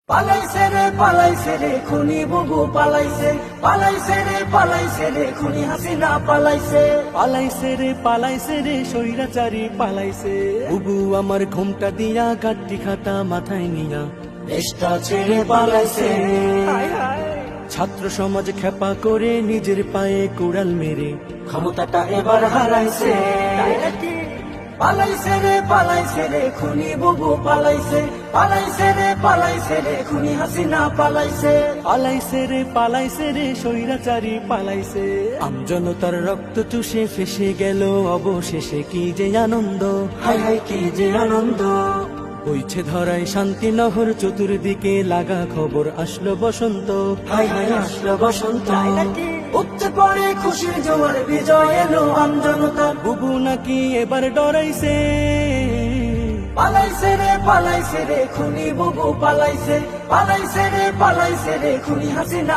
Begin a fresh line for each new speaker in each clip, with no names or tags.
পালাইছে রে খুনি বুবু পালাইছে রে খুনি হাসিনা
পালাইছে রে স্বৈরাচারী পালাইছে। বুবু আমার ঘুমটা দিয়া গাড্ডি খাতা মাথায় নিয়া
দেশটা ছেড়ে পালাইছে।
ছাত্র সমাজ খেপা করে নিজের পায়ে কুড়াল মেরে
ক্ষমতাটা এবার হারাইছে। পালাইছে রে খুনি বুবু পালাইছে রে খুনি হাসিনা
পালাইছে রে স্বৈরাচারী পালাইছে। আমজনতার রক্ত চুষে ফেসে গেল অবশেষে কি যে আনন্দ,
হায় হায় কি যে আনন্দ।
বইছে ধরায় শান্তি নহর চতুর্দিকে লাগা খবর আসলো বসন্ত,
হায় হায় আসলো বসন্ত। উঠতে পড়ে খুশির জোয়ার বিজয় এলো আমজনতার।
বুবু নাকি এবার ডরাইছে।
পালাইছে রে খুনি বুবু পালাইছে রে খুনি হাসিনা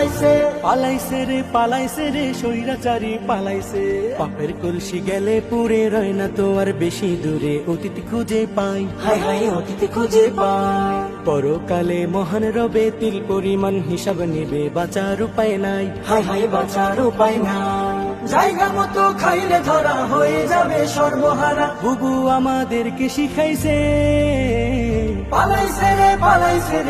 পালাইছে রে স্বৈরাচারী পালাইছে। পাপের কলসি গেলে পুরে রয় না তো আর বেশি দূরে, অতীত খুঁজে পাই,
হায় হায় অতীত খুঁজে পাই।
পরকালে মহান রবে তিল পরিমাণ হিসাব নেবে, বাঁচার উপায় নাই,
হায় হায় বাঁচার উপায় নাই। জায়গা মতো খাইলে ধরা হয়ে যাবে সর্বহারা।
বুবু আমাদেরকে শিখাইছে।
পালাইছে রে